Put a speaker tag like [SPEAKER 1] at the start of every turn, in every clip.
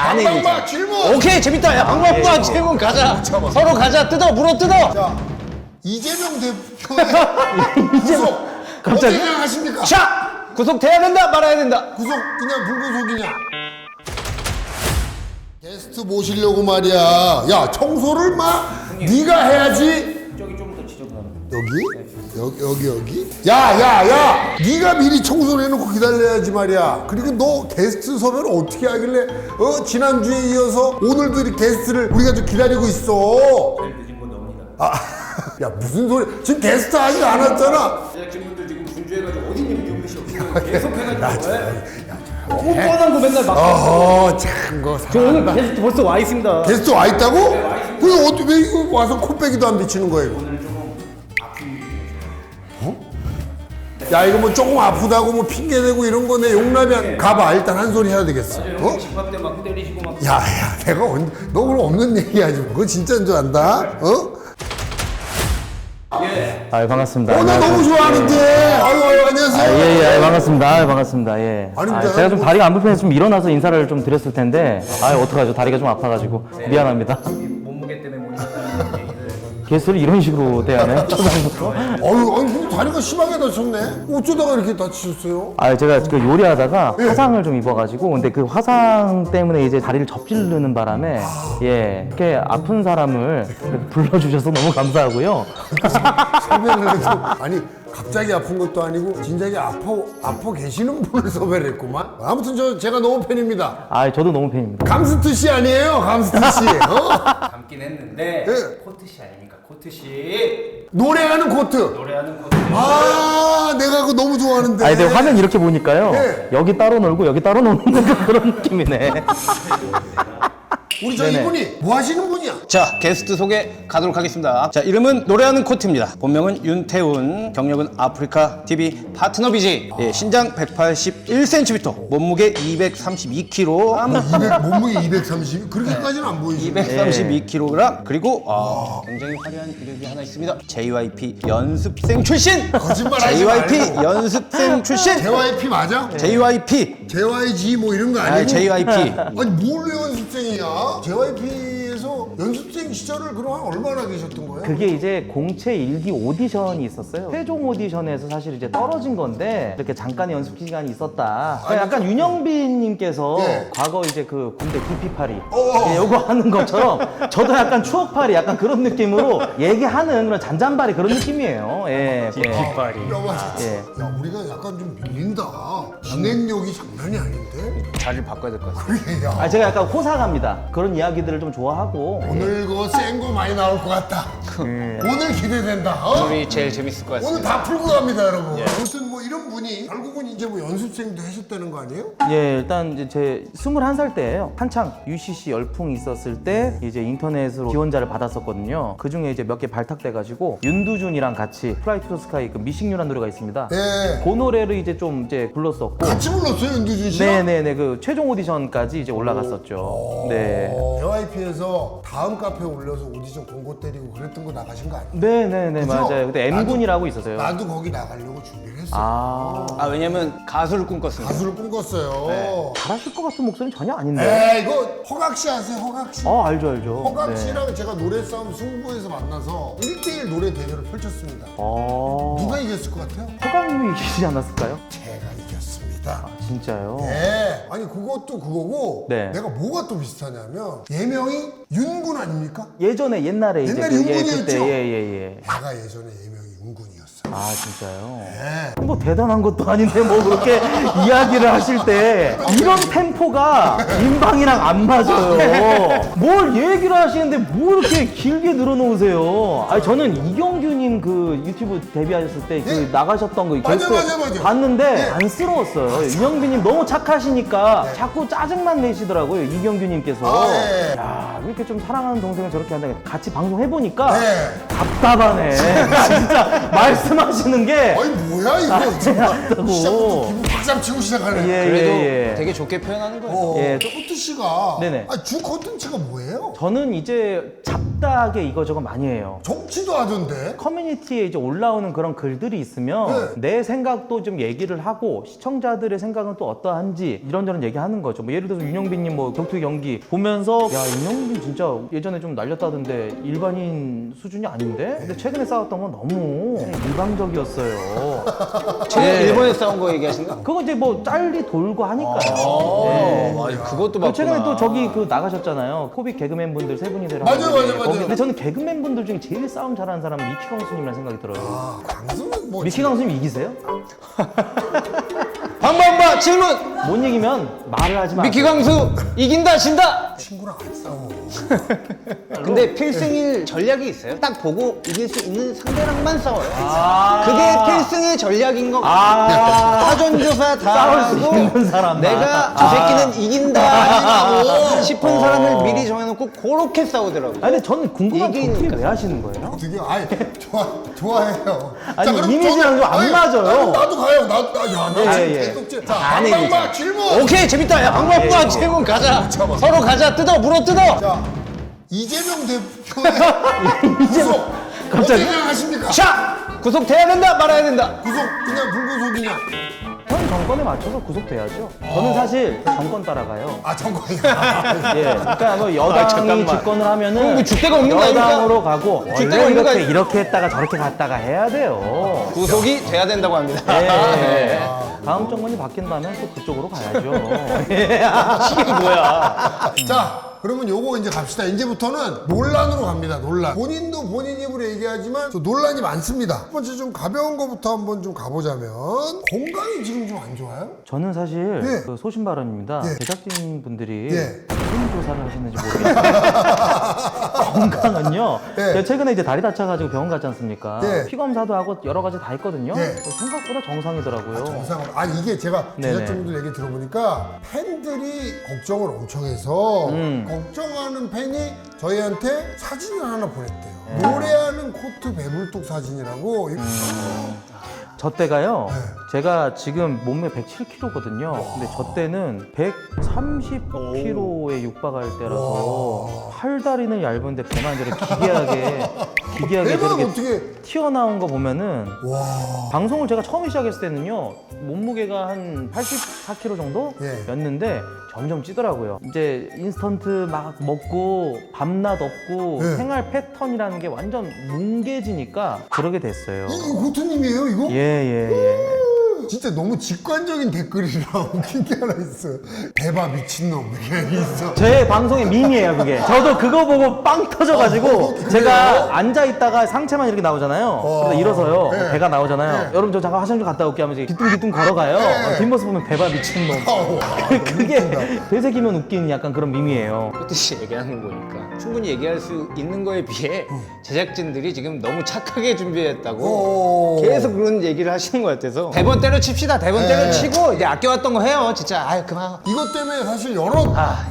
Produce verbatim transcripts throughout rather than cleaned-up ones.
[SPEAKER 1] 반응이
[SPEAKER 2] 방방바 질문.
[SPEAKER 1] 오케이 재밌다. 야 방방바 질문 가자. 서로 가자. 뜯어 물어 뜯어.
[SPEAKER 2] 자, 이재명 대표의 구속
[SPEAKER 1] 갑자기?
[SPEAKER 2] 어떻게 생각하십니까?
[SPEAKER 1] 자 구속돼야 된다 말아야 된다.
[SPEAKER 2] 구속이냐 불구속이냐? 게스트 모시려고 말이야. 야 청소를 막 네가 해야지.
[SPEAKER 1] 저기 좀 더 지저분하다.
[SPEAKER 2] 여기? 여기 여기 여기? 야야야! 네가 미리 청소를 해놓고 기다려야지 말이야. 그리고 너 게스트 섭외를 어떻게 하길래 어 지난주에 이어서 오늘도 이 게스트를 우리가 좀 기다리고 있어.
[SPEAKER 1] 제일 늦은 건 너입니다.
[SPEAKER 2] 아, 야 무슨 소리? 지금 게스트 아직 안 왔잖아.
[SPEAKER 1] 제작진분들 지금 분주해가지고 어디 있는 유미 씨 없으면 계속 해가지고 너무 뻔한 거 맨날 막.
[SPEAKER 2] 어허 참거
[SPEAKER 1] 저 오늘 게스트 벌써 와 있습니다.
[SPEAKER 2] 게스트 와 있다고? 그럼 어떻게 왜 이거 와서 코빼기도 안 비치는 거야 이거?
[SPEAKER 1] 오늘 조금 아픈
[SPEAKER 2] 어? 야 이거 뭐 조금 아프다고 뭐 핑계 대고 이런 거 내 용납이 안 가봐. 일단 한 소리 해야 되겠어. 어?
[SPEAKER 1] 집합 때막 때리시고 막.
[SPEAKER 2] 야야 내가 언, 너 그럼 없는 얘기 하지 마. 그거 진짜인 줄 안다. 어?
[SPEAKER 1] 예.
[SPEAKER 3] 아, 반갑습니다.
[SPEAKER 2] 어, 나 너무 좋아하는데. 아유, 아유, 안녕하세요.
[SPEAKER 3] 아, 예, 예, 아, 반갑습니다. 아, 반갑습니다. 예.
[SPEAKER 2] 아니,
[SPEAKER 3] 아,
[SPEAKER 2] 근데
[SPEAKER 3] 제가 좀
[SPEAKER 2] 뭐-
[SPEAKER 3] 다리가 안 불편해서 좀 일어나서 인사를 좀 드렸을 텐데, 아, 어떡하죠? 다리가 좀 아파가지고 미안합니다.
[SPEAKER 1] 몸무게 때문에 못 나가는 얘기를.
[SPEAKER 3] 게스트를 이런 식으로 대하네. 초반부터.
[SPEAKER 2] 어유, 아니, 근데 다리가 심하게 다쳤네. 어쩌다가 이렇게 다치셨어요?
[SPEAKER 3] 아, 제가 그 요리하다가
[SPEAKER 2] 예.
[SPEAKER 3] 화상을 좀 입어가지고, 근데 그 화상 때문에 이제 다리를 접질르는 바람에, 예, 이렇게 아픈 사람을 이렇게 불러주셔서 너무 감사하고요.
[SPEAKER 2] 설명을 해도 아니 갑자기 아픈 것도 아니고 진작에 아파 아파 계시는 분을 섭외를 했구만. 아무튼 저 제가 너무 팬입니다.
[SPEAKER 3] 아, 저도 너무 팬입니다.
[SPEAKER 2] 감스트 씨 아니에요? 감스트 씨. 어?
[SPEAKER 1] 감긴 했는데
[SPEAKER 2] 예.
[SPEAKER 1] 코트 씨 아닙니까? 코트 씨
[SPEAKER 2] 노래하는 코트.
[SPEAKER 1] 노래하는 코트.
[SPEAKER 2] 아, 내가 그거 너무 좋아하는데.
[SPEAKER 3] 아니, 근데 화면 이렇게 보니까요.
[SPEAKER 2] 예.
[SPEAKER 3] 여기 따로 놀고 여기 따로 노는 그런 느낌이네.
[SPEAKER 2] 우리 저
[SPEAKER 3] 네네.
[SPEAKER 2] 이분이 뭐 하시는 분이야?
[SPEAKER 1] 자 게스트 소개 가도록 하겠습니다. 자 이름은 노래하는 코트입니다. 본명은 윤태훈, 경력은 아프리카 티비 파트너 비지. 예, 신장 백팔십일 센티미터, 몸무게 이백삼십이 킬로그램.
[SPEAKER 2] 이백, 몸무게 이백삼십? 그렇게까지는 안 보이지.
[SPEAKER 1] 이백삼십이 킬로그램. 그리고 아, 굉장히 화려한 이력이 하나 있습니다. 제이와이피 연습생 출신.
[SPEAKER 2] 거짓말하지
[SPEAKER 1] 제이와이피
[SPEAKER 2] 말고.
[SPEAKER 1] 연습생 출신.
[SPEAKER 2] 제이와이피 맞아?
[SPEAKER 1] 제이와이피.
[SPEAKER 2] 제이와이지 뭐 이런 거 아니고?
[SPEAKER 1] 아, 제이와이피.
[SPEAKER 2] 아니 뭘 연습생이야? 제이와이피에서 연습생 시절을 그럼 얼마나 계셨던 거예요?
[SPEAKER 3] 그게 이제 공채 일기 오디션이 있었어요. 최종 오디션에서 사실 이제 떨어진 건데 이렇게 잠깐의 연습 기간이 있었다. 그러니까 약간 윤영빈님께서
[SPEAKER 2] 예.
[SPEAKER 3] 과거 이제 그 군대 기피팔이
[SPEAKER 2] 어어.
[SPEAKER 3] 예, 요거 하는 것처럼 저도 약간 추억팔이 약간 그런 느낌으로 얘기하는 그런 잔잔바리 그런 느낌이에요. 예. 기피팔이.
[SPEAKER 2] 야, 맞아.
[SPEAKER 3] 예.
[SPEAKER 2] 야, 우리가 약간 좀 밀린다. 진행력이 장난이 아닌데?
[SPEAKER 1] 자리를 바꿔야 될 것 같습니다.
[SPEAKER 2] 그래, 야.
[SPEAKER 3] 아 제가 약간 호사갑니다. 그런 이야기들을 좀 좋아하고.
[SPEAKER 2] 오늘 그거 센 거 많이 나올 것 같다. 오늘 기대된다. 어?
[SPEAKER 1] 오늘이 제일 재밌을 것
[SPEAKER 2] 오늘
[SPEAKER 1] 같습니다.
[SPEAKER 2] 다 풀고 갑니다, 여러분. 아무튼 뭐 이런 분이 결국은 이제 뭐 연습생도 하셨다는 거 아니에요?
[SPEAKER 3] 예, 일단 이제 제 스물한 살 때예요. 한창 유씨씨 열풍이 있었을 때 이제 인터넷으로 지원자를 받았었거든요. 그 중에 이제 몇 개 발탁돼가지고 윤두준이랑 같이 플라이 투 스카이 그 미싱유라는 노래가 있습니다.
[SPEAKER 2] 네.
[SPEAKER 3] 그 노래를 이제 좀 이제 불렀었고.
[SPEAKER 2] 같이 불렀어요, 윤두준 씨랑?
[SPEAKER 3] 네네네, 그 최종 오디션까지 이제 올라갔었죠. 네.
[SPEAKER 2] 제이와이피에서 다음 카페에 올려서 오디션 공고 때리고 그랬던 거 나가신 거 아니에요?
[SPEAKER 3] 네네네,
[SPEAKER 2] 그죠?
[SPEAKER 3] 맞아요. 그때 엠군이라고 있었어요.
[SPEAKER 2] 나도 거기 나가려고 준비를 했어. 요
[SPEAKER 3] 아,
[SPEAKER 1] 아 왜냐면 가수를 꿈꿨습니다.
[SPEAKER 2] 가수를 꿈꿨어요.
[SPEAKER 3] 잘하실 것 같은 목소리는 전혀 아닌데.
[SPEAKER 2] 에이, 이거 허각 씨 아세요, 허각 씨?
[SPEAKER 3] 어, 알죠, 알죠.
[SPEAKER 2] 허각
[SPEAKER 3] 네.
[SPEAKER 2] 씨랑 제가 노래 싸움 승부에서 만나서 일 대일 노래 대결을 펼쳤습니다.
[SPEAKER 3] 어,
[SPEAKER 2] 누가 이겼을 것 같아요?
[SPEAKER 3] 허강님이 이기지 않았을까요?
[SPEAKER 2] 제가 이겼습니다.
[SPEAKER 3] 진짜요?
[SPEAKER 2] 네. 아니 그것도 그거고
[SPEAKER 3] 네.
[SPEAKER 2] 내가 뭐가 또 비슷하냐면 예명이 윤군 아닙니까?
[SPEAKER 3] 예전에 옛날에 이제
[SPEAKER 2] 옛날에
[SPEAKER 3] 그게
[SPEAKER 2] 윤군이었죠?
[SPEAKER 3] 그때 예예예.
[SPEAKER 2] 내가 예전에 예명이 윤군이었어요.
[SPEAKER 3] 아 진짜요?
[SPEAKER 2] 네.
[SPEAKER 3] 뭐 대단한 것도 아닌데 뭐 그렇게 이야기를 하실 때 이런 템포가 인방이랑 안 맞아요. 뭘 얘기를 하시는데 뭐 이렇게 길게 늘어놓으세요? 아니 저는 이경규님 그 유튜브 데뷔하셨을 때 그
[SPEAKER 2] 네.
[SPEAKER 3] 나가셨던 거
[SPEAKER 2] 맞아,
[SPEAKER 3] 게스트
[SPEAKER 2] 맞아, 맞아.
[SPEAKER 3] 봤는데
[SPEAKER 2] 네.
[SPEAKER 3] 안쓰러웠어요. 윤영빈님 너무 착하시니까 자꾸 짜증만 내시더라고요. 이경규님께서.
[SPEAKER 2] 아, 네.
[SPEAKER 3] 야 이렇게 좀 사랑하는 동생을 저렇게 한다. 같이 방송 해보니까
[SPEAKER 2] 네.
[SPEAKER 3] 답답하네. 진짜 말씀하시는 게
[SPEAKER 2] 아니 뭐야 이거
[SPEAKER 3] 아,
[SPEAKER 2] 정말
[SPEAKER 3] 맞다고.
[SPEAKER 2] 시작부터 기분 박살 박시장 치고 시작하네.
[SPEAKER 3] 예,
[SPEAKER 1] 그래도
[SPEAKER 3] 예, 예.
[SPEAKER 1] 되게 좋게 표현하는 거예요.
[SPEAKER 2] 어,
[SPEAKER 3] 예.
[SPEAKER 2] 코트 씨가
[SPEAKER 3] 네네.
[SPEAKER 2] 아, 주 콘텐츠가 뭐예요?
[SPEAKER 3] 저는 이제 잡다하게 이거저거 많이 해요.
[SPEAKER 2] 정치도 하던데.
[SPEAKER 3] 커뮤니티에 이제 올라오는 그런 글들이 있으면 내 생각도 좀 얘기를 하고 시청자들의 생각은 또 어떠한지 이런저런 얘기하는 거죠. 뭐 예를 들어서 윤영빈님 뭐 격투기 경기 보면서 야 윤영빈 진짜 예전에 좀 날렸다던데 일반인 수준이 아닌데? 근데 최근에 싸웠던 건 너무 일방적이었어요.
[SPEAKER 1] 최근
[SPEAKER 3] 예.
[SPEAKER 1] 일본에 싸운 거 얘기하신 거?
[SPEAKER 3] 그거 이제 뭐 짤리 돌고 하니까요. 예.
[SPEAKER 1] 어, 맞아. 그것도
[SPEAKER 3] 그리고
[SPEAKER 1] 맞구나.
[SPEAKER 3] 최근에 또 저기 그 나가셨잖아요. 코빅 개그맨 분들 세 분이 되라.
[SPEAKER 2] 맞아요, 맞아요, 맞아요.
[SPEAKER 3] 근데 저는 개그맨 분들 중에 제일 싸움 잘하는 사람은 미키 강수님이라는 생각이 들어요.
[SPEAKER 2] 아, 강수는 뭐.
[SPEAKER 3] 미키 강수님 이기세요?
[SPEAKER 1] 방방바 질문!
[SPEAKER 3] 못 이기면 말을 하지 마.
[SPEAKER 1] 미키 강수 이긴다 진다!
[SPEAKER 2] 친구랑 안 싸워.
[SPEAKER 1] 근데 필승일 전략이 있어요. 딱 보고 이길 수 있는 상대랑만 싸워요.
[SPEAKER 3] 아~
[SPEAKER 1] 그게 필승의 전략인 거 같아요.
[SPEAKER 3] 아.
[SPEAKER 1] 사전조사 다
[SPEAKER 3] 싸울 수
[SPEAKER 1] 하고
[SPEAKER 3] 있는 사람만.
[SPEAKER 1] 내가 저 새끼는 이긴다 싶은 사람을 미리 정해놓고 그렇게 싸우더라고요.
[SPEAKER 3] 아니 근데 저는 궁금한 게
[SPEAKER 1] 이기니까.
[SPEAKER 3] 어떻게 왜 하시는 거예요?
[SPEAKER 2] 되게 아이 좋아 좋아해요.
[SPEAKER 3] 아니,
[SPEAKER 2] 그럼
[SPEAKER 3] 이미지랑
[SPEAKER 2] 저는-
[SPEAKER 3] 좀 안
[SPEAKER 2] 아니,
[SPEAKER 3] 맞아요.
[SPEAKER 2] 나도, 나도 가요. 나도 나, 야, 나
[SPEAKER 3] 예,
[SPEAKER 2] 지금
[SPEAKER 3] 예.
[SPEAKER 2] 계속 지- 자,
[SPEAKER 1] 안
[SPEAKER 2] 방방바
[SPEAKER 1] 이기죠.
[SPEAKER 2] 질문.
[SPEAKER 1] 오케이 재밌다. 야 방방바 질문 가자.
[SPEAKER 2] 잠깐만.
[SPEAKER 1] 서로 가자. 뜯어 물어 뜯어.
[SPEAKER 2] 자, 이재명 대표의 구속
[SPEAKER 3] 갑자기?
[SPEAKER 2] 어떻게 생각하십니까?
[SPEAKER 1] 자 구속돼야 된다 말아야 된다.
[SPEAKER 2] 구속 그냥 불구속이냐?
[SPEAKER 3] 현 정권에 맞춰서 구속돼야죠. 저는 사실 정권 따라가요.
[SPEAKER 2] 아 정권이야.
[SPEAKER 3] 예, 그러니까 뭐
[SPEAKER 1] 아,
[SPEAKER 3] 여당이
[SPEAKER 1] 잠깐만.
[SPEAKER 3] 집권을 하면은
[SPEAKER 1] 그럼 뭐 줏대가 없는 거 아닙니까?
[SPEAKER 3] 여당으로 가고
[SPEAKER 1] 줏대가
[SPEAKER 3] 원래
[SPEAKER 1] 없는 거
[SPEAKER 3] 이렇게
[SPEAKER 1] 아니-
[SPEAKER 3] 이렇게 했다가 저렇게 갔다가 해야 돼요.
[SPEAKER 1] 구속이 돼야 된다고 합니다.
[SPEAKER 3] 예, 예.
[SPEAKER 1] 아.
[SPEAKER 3] 다음 정권이 바뀐다면 또 그쪽으로 가야죠.
[SPEAKER 1] 이게 뭐야?
[SPEAKER 2] 자, 그러면 요거 이제 갑시다. 이제부터는 논란으로 갑니다. 논란. 본인도 본인 입으로 얘기하지만 저 논란이 많습니다. 첫 번째 좀 가벼운 거부터 한번 좀 가보자면 건강이 지금 좀 안 좋아요?
[SPEAKER 3] 저는 사실
[SPEAKER 2] 예.
[SPEAKER 3] 그 소신 발언입니다.
[SPEAKER 2] 예.
[SPEAKER 3] 제작진 분들이
[SPEAKER 2] 예.
[SPEAKER 3] 무슨 조사를 하시는지 모르겠어요. 건강은요.
[SPEAKER 2] 예.
[SPEAKER 3] 제가 최근에 이제 다리 다쳐가지고 병원 갔지 않습니까?
[SPEAKER 2] 예.
[SPEAKER 3] 피 검사도 하고 여러 가지 다 했거든요.
[SPEAKER 2] 예.
[SPEAKER 3] 생각보다 정상이더라고요.
[SPEAKER 2] 정상으로. 아니 이게 제가
[SPEAKER 3] 네네.
[SPEAKER 2] 제작진분들 얘기 들어보니까 팬들이 걱정을 엄청 해서
[SPEAKER 3] 음.
[SPEAKER 2] 걱정하는 팬이 저희한테 사진을 하나 보냈대요.
[SPEAKER 3] 예.
[SPEAKER 2] 노래하는 코트 배불뚝 사진이라고. 이거
[SPEAKER 3] 저 때가요.
[SPEAKER 2] 네.
[SPEAKER 3] 제가 지금 몸매 백칠 킬로그램거든요. 근데 저 때는 백삼십 킬로그램에 육박할 때라서 팔다리는 얇은데 배만 저렇게 기괴하게 기괴하게
[SPEAKER 2] 배만
[SPEAKER 3] 저렇게
[SPEAKER 2] 어떻게?
[SPEAKER 3] 튀어나온 거 보면은
[SPEAKER 2] 와.
[SPEAKER 3] 방송을 제가 처음 시작했을 때는요 몸무게가 한 팔십사 킬로그램
[SPEAKER 2] 예.
[SPEAKER 3] 정도였는데 점점 찌더라고요. 이제 인스턴트 막 먹고 밤낮 없고
[SPEAKER 2] 예.
[SPEAKER 3] 생활 패턴이라는 게 완전 뭉개지니까 그러게 됐어요.
[SPEAKER 2] 이거 고트님이에요 이거?
[SPEAKER 3] 예예 예.
[SPEAKER 2] 진짜 너무 직관적인 댓글이라 웃긴 게 하나 있어. 대박 미친놈 이렇게 있어.
[SPEAKER 3] 제 방송의 밈이에요 그게. 저도 그거 보고 빵 터져가지고
[SPEAKER 2] 어, 그래요?
[SPEAKER 3] 제가 앉아 있다가 상체만 이렇게 나오잖아요.
[SPEAKER 2] 어.
[SPEAKER 3] 그래서 일어서요.
[SPEAKER 2] 네.
[SPEAKER 3] 배가 나오잖아요.
[SPEAKER 2] 네.
[SPEAKER 3] 여러분 저 잠깐 화장실 좀 갔다 올게 하면서 뒤뚱뒤뚱 걸어가요.
[SPEAKER 2] 네.
[SPEAKER 3] 뒷모습 보면 배바 미친놈.
[SPEAKER 2] 아우,
[SPEAKER 3] 그게 되새기면 웃기는 약간 그런 밈이에요.
[SPEAKER 1] 뜻이 얘기하는 거 보니까 충분히 얘기할 수 있는 거에 비해 제작진들이 지금 너무 착하게 준비했다고
[SPEAKER 2] 오.
[SPEAKER 1] 계속 그런 얘기를 하시는 것 같아서 대본 때려칩시다. 대본
[SPEAKER 2] 네.
[SPEAKER 1] 때려치고 이제 아껴왔던 거 해요. 진짜 아유 그만.
[SPEAKER 2] 이것 때문에 사실 여러
[SPEAKER 1] 아.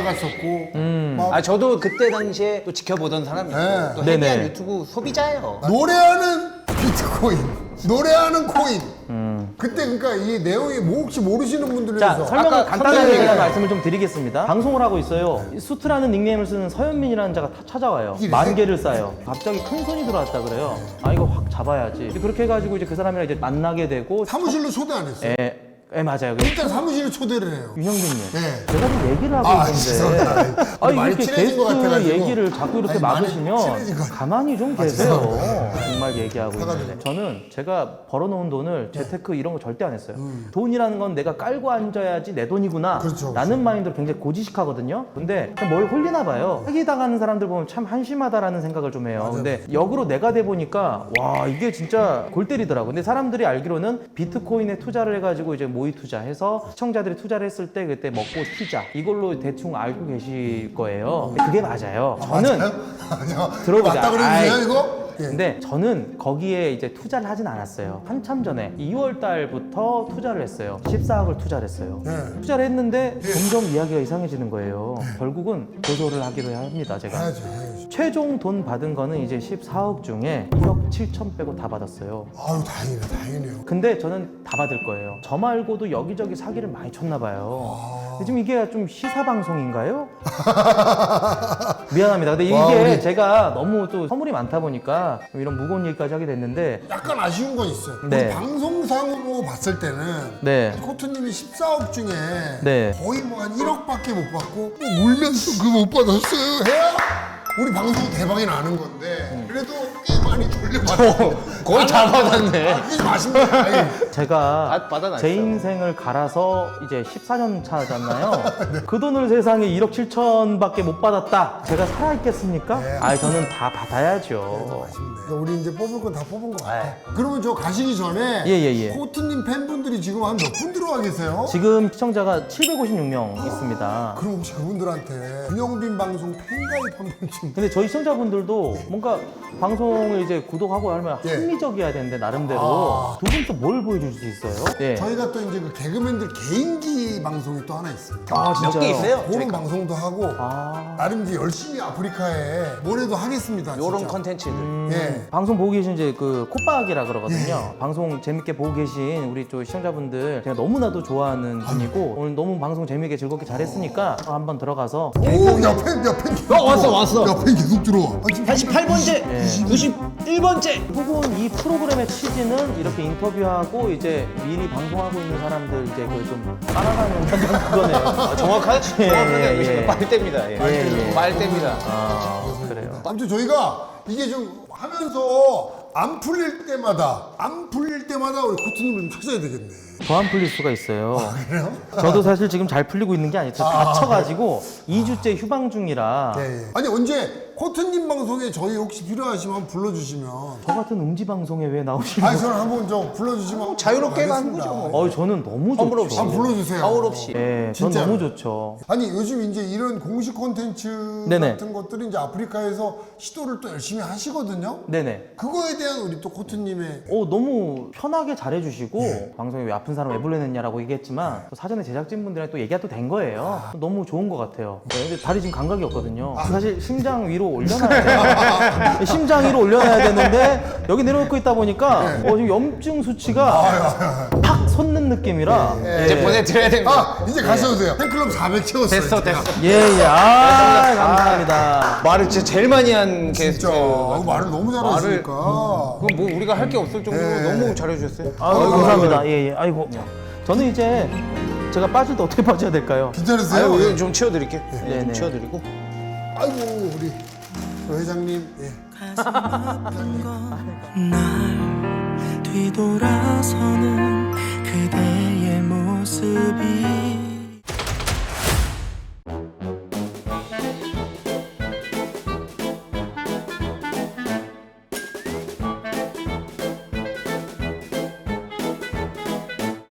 [SPEAKER 2] 날라갔었고 막
[SPEAKER 1] 아 저도 그때 당시에 또 지켜보던 사람이고
[SPEAKER 2] 네.
[SPEAKER 1] 또 해외한
[SPEAKER 3] 네네.
[SPEAKER 1] 유튜브 소비자예요.
[SPEAKER 2] 노래하는 비트코인, 노래하는 코인.
[SPEAKER 3] 음.
[SPEAKER 2] 그때 그러니까 이 내용이 뭐 혹시 모르시는 분들을
[SPEAKER 3] 자
[SPEAKER 2] 위해서
[SPEAKER 3] 설명을
[SPEAKER 1] 아까
[SPEAKER 3] 간단하게
[SPEAKER 1] 컴퓨터
[SPEAKER 3] 제가
[SPEAKER 1] 얘기-
[SPEAKER 3] 말씀을 좀 드리겠습니다. 방송을 하고 있어요. 이 수트라는 닉네임을 쓰는 서현민이라는 자가 타- 찾아와요.
[SPEAKER 2] 이래?
[SPEAKER 3] 만 개를 쌓아요. 갑자기 큰 손이 들어왔다 그래요. 아 이거 확 잡아야지. 이제 그렇게 해가지고 이제 그 사람이랑 이제 만나게 되고.
[SPEAKER 2] 사무실로 초대 안 했어요.
[SPEAKER 3] 예, 예 맞아요.
[SPEAKER 2] 일단 사무실에 초대를 해요.
[SPEAKER 3] 윤영빈님,
[SPEAKER 2] 네.
[SPEAKER 3] 제가 좀 얘기를 하고
[SPEAKER 2] 아,
[SPEAKER 3] 있는데
[SPEAKER 2] 죄송합니다.
[SPEAKER 3] 아
[SPEAKER 2] 많이
[SPEAKER 3] 이렇게
[SPEAKER 2] 친해진 것
[SPEAKER 3] 게스트
[SPEAKER 2] 같아가지고.
[SPEAKER 3] 얘기를 자꾸 이렇게
[SPEAKER 2] 아니, 많이
[SPEAKER 3] 막으시면
[SPEAKER 2] 친해진 것 같아요.
[SPEAKER 3] 가만히 좀
[SPEAKER 2] 아,
[SPEAKER 3] 계세요.
[SPEAKER 2] 죄송합니다.
[SPEAKER 3] 정말 얘기하고 있는데
[SPEAKER 2] 사과드립니다.
[SPEAKER 3] 저는 제가 벌어놓은 돈을 재테크 이런 거 절대 안 했어요.
[SPEAKER 2] 음.
[SPEAKER 3] 돈이라는 건 내가 깔고 앉아야지 내 돈이구나
[SPEAKER 2] 그렇죠,
[SPEAKER 3] 라는 마인드로 굉장히 고지식하거든요. 근데 그냥 뭘 홀리나 봐요. 사기당하는 사람들 보면 참 한심하다라는 생각을 좀 해요. 근데 역으로 내가 돼 보니까 와 이게 진짜 골 때리더라고. 근데 사람들이 알기로는 비트코인에 투자를 해가지고 이제 모의 투자해서 시청자들이 투자를 했을 때 그때 먹고 튀자 이걸로 대충 알고 계실 거예요. 근데 그게 맞아요. 저는
[SPEAKER 2] 맞아요?
[SPEAKER 3] 들어보자.
[SPEAKER 2] 맞다 그러세요
[SPEAKER 3] 아이,
[SPEAKER 2] 이거? 예.
[SPEAKER 3] 근데 저는 거기에 이제 투자를 하진 않았어요. 한참 전에 이월 달부터 투자를 했어요. 십사억을 투자를 했어요.
[SPEAKER 2] 예.
[SPEAKER 3] 투자를 했는데 점점 이야기가 이상해지는 거예요. 결국은 고소를 하기로 합니다, 제가.
[SPEAKER 2] 해야죠, 해야죠.
[SPEAKER 3] 최종 돈 받은 거는 이제 십사억 중에 일억 칠천 빼고 다 받았어요.
[SPEAKER 2] 아유, 다행이네, 다행이네요.
[SPEAKER 3] 근데 저는 다 받을 거예요. 저 말고도 여기저기 사기를 많이 쳤나 봐요. 근데 지금 이게 좀 시사 방송인가요? 미안합니다. 근데 이게
[SPEAKER 2] 와, 우리-
[SPEAKER 3] 제가 너무 또 선물이 많다 보니까 좀 이런 무거운 얘기까지 하게 됐는데
[SPEAKER 2] 약간 아쉬운 건 있어요.
[SPEAKER 3] 네.
[SPEAKER 2] 우리 방송상으로 봤을 때는
[SPEAKER 3] 네.
[SPEAKER 2] 코트님이 십사억 중에
[SPEAKER 3] 네.
[SPEAKER 2] 거의 뭐 한 일억밖에 못 받고 뭐 울면서 그 못 받았어요 해야 우리 방송 대박이 나는 건데 그래도 꽤 많이 돌려받았어요.
[SPEAKER 1] 거의 다 받았네.
[SPEAKER 2] 아, 그게 좀 아쉽네요. 아니,
[SPEAKER 3] 제가
[SPEAKER 1] 받- 받아놨어요.
[SPEAKER 3] 제 인생을 갈아서 이제 십사 년 차잖아요. 그 돈을 세상에 일억 칠천밖에 못 받았다. 제가 살아있겠습니까?
[SPEAKER 2] 네.
[SPEAKER 3] 아, 저는 다 받아야죠.
[SPEAKER 2] 아쉽네. 우리 이제 뽑을 건 다 뽑은 것 같아.
[SPEAKER 3] 네.
[SPEAKER 2] 그러면 저 가시기 전에
[SPEAKER 3] 예, 예, 예.
[SPEAKER 2] 코트님 팬분들이 지금 한 몇 분 들어와 계세요?
[SPEAKER 3] 지금 시청자가 칠백오십육 명 있습니다.
[SPEAKER 2] 그럼 혹시 그분들한테 윤영빈 방송 팬가입 한 번쯤
[SPEAKER 3] 근데 저희 시청자분들도 뭔가 방송을 이제 구독하고 하면
[SPEAKER 2] 예.
[SPEAKER 3] 합리적이어야 되는데 나름대로
[SPEAKER 2] 아.
[SPEAKER 3] 두 분 또 뭘 보여줄 수 있어요? 네.
[SPEAKER 2] 저희가 또 이제 그 개그맨들 개인기 방송이 또 하나 있어요.
[SPEAKER 3] 아,
[SPEAKER 1] 몇 개 있어요?
[SPEAKER 2] 그런
[SPEAKER 1] 저희가.
[SPEAKER 2] 방송도 하고
[SPEAKER 3] 아.
[SPEAKER 2] 나름 이제 열심히 아프리카에 뭐래도 하겠습니다.
[SPEAKER 1] 요런
[SPEAKER 2] 진짜.
[SPEAKER 1] 컨텐츠들.
[SPEAKER 2] 예.
[SPEAKER 3] 방송 보고 계신 이제 그 콧박이라 그러거든요. 방송 재밌게 보고 계신 우리 또 시청자분들 제가 너무나도 좋아하는 분이고 오늘 너무 방송 재밌게 즐겁게 잘했으니까 한번 들어가서
[SPEAKER 2] 오, 옆에 옆에 계속
[SPEAKER 1] 어, 왔어,
[SPEAKER 2] 들어와.
[SPEAKER 1] 왔어.
[SPEAKER 2] 옆에 계속 들어와. 아, 지금
[SPEAKER 1] 팔십팔 번째, 구십일 번째.
[SPEAKER 3] 혹은 이 프로그램의 취지는 이렇게 인터뷰하고 이제 미리 방송하고 있는 사람들 이제 그걸 좀 따라가는 그거네요.
[SPEAKER 1] 아, 정확하게
[SPEAKER 3] 예,
[SPEAKER 1] 정확하게
[SPEAKER 3] 예,
[SPEAKER 1] 알고
[SPEAKER 3] 예.
[SPEAKER 1] 있어요. 빨대입니다. 예.
[SPEAKER 3] 예, 예.
[SPEAKER 1] 빨대입니다.
[SPEAKER 3] 아, 그래요.
[SPEAKER 2] 아무튼 저희가 이게 좀 하면서 안 풀릴 때마다 안 풀릴 때마다 우리 코트님을 좀 찾아야 되겠네.
[SPEAKER 3] 더 안 풀릴 수가 있어요.
[SPEAKER 2] 그래요?
[SPEAKER 3] 저도 사실 지금 잘 풀리고 있는 게 아니죠. 다쳐가지고 이 주째 휴방 중이라
[SPEAKER 2] 예, 예. 아니 언제 코트님 방송에 저희 혹시 필요하시면 한번 불러주시면.
[SPEAKER 3] 저 같은 음지 방송에 왜 나오시는
[SPEAKER 2] 아니
[SPEAKER 3] 거예요?
[SPEAKER 2] 저는 한번 저 불러주시면 한번
[SPEAKER 1] 자유롭게 하는
[SPEAKER 2] 가겠습니다.
[SPEAKER 1] 거죠, 뭐.
[SPEAKER 3] 어, 저는 너무
[SPEAKER 1] 허물
[SPEAKER 3] 좋죠.
[SPEAKER 1] 없이.
[SPEAKER 2] 한번 불러주세요.
[SPEAKER 1] 하울 없이.
[SPEAKER 3] 예, 전
[SPEAKER 2] 진짜로.
[SPEAKER 3] 너무 좋죠.
[SPEAKER 2] 아니 요즘 이제 이런 공식 콘텐츠
[SPEAKER 3] 네네.
[SPEAKER 2] 같은 것들이 이제 아프리카에서 시도를 또 열심히 하시거든요.
[SPEAKER 3] 네네.
[SPEAKER 2] 그거에 대한 우리 또 코트님의
[SPEAKER 3] 어, 너무 편하게 잘해주시고 방송에 왜 아픈 사람 왜 불러냈냐라고 얘기했지만 또 사전에 제작진분들이랑 또 얘기가 또 된 거예요. 너무 좋은 것 같아요. 네, 근데 다리 지금 감각이 없거든요. 사실 심장 위로 올려놔야 돼요. 심장 위로 올려놔야 되는데 여기 내려놓고 있다 보니까 어, 지금 염증 수치가 팍 솟는 느낌이라 예.
[SPEAKER 1] 이제 보내드려야 됩니다.
[SPEAKER 2] 아 이제 가셔도 돼요. 팬클럽 사백 채웠어요.
[SPEAKER 1] 됐어,
[SPEAKER 2] 제가.
[SPEAKER 1] 됐어.
[SPEAKER 3] 예, 예. 아, 감사합니다.
[SPEAKER 1] 말을 진짜 제일 많이 한
[SPEAKER 2] 진짜
[SPEAKER 1] 게스트.
[SPEAKER 2] 아, 말을 너무 잘하시니까.
[SPEAKER 1] 그럼 뭐 우리가 할 게 없을 정도로
[SPEAKER 2] 예.
[SPEAKER 1] 너무 잘해주셨어요.
[SPEAKER 3] 아유, 감사합니다. 예, 예. 아이고. 저는 이제 제가 빠질 때 어떻게 빠져야 될까요?
[SPEAKER 2] 괜찮으세요?
[SPEAKER 1] 아유, 여기 좀 치워드릴게요. 예,
[SPEAKER 3] 네네.
[SPEAKER 1] 좀 치워드리고.
[SPEAKER 2] 아이고 우리 조 회장님. 예.
[SPEAKER 4] 날 뒤돌아서는 그대의 모습이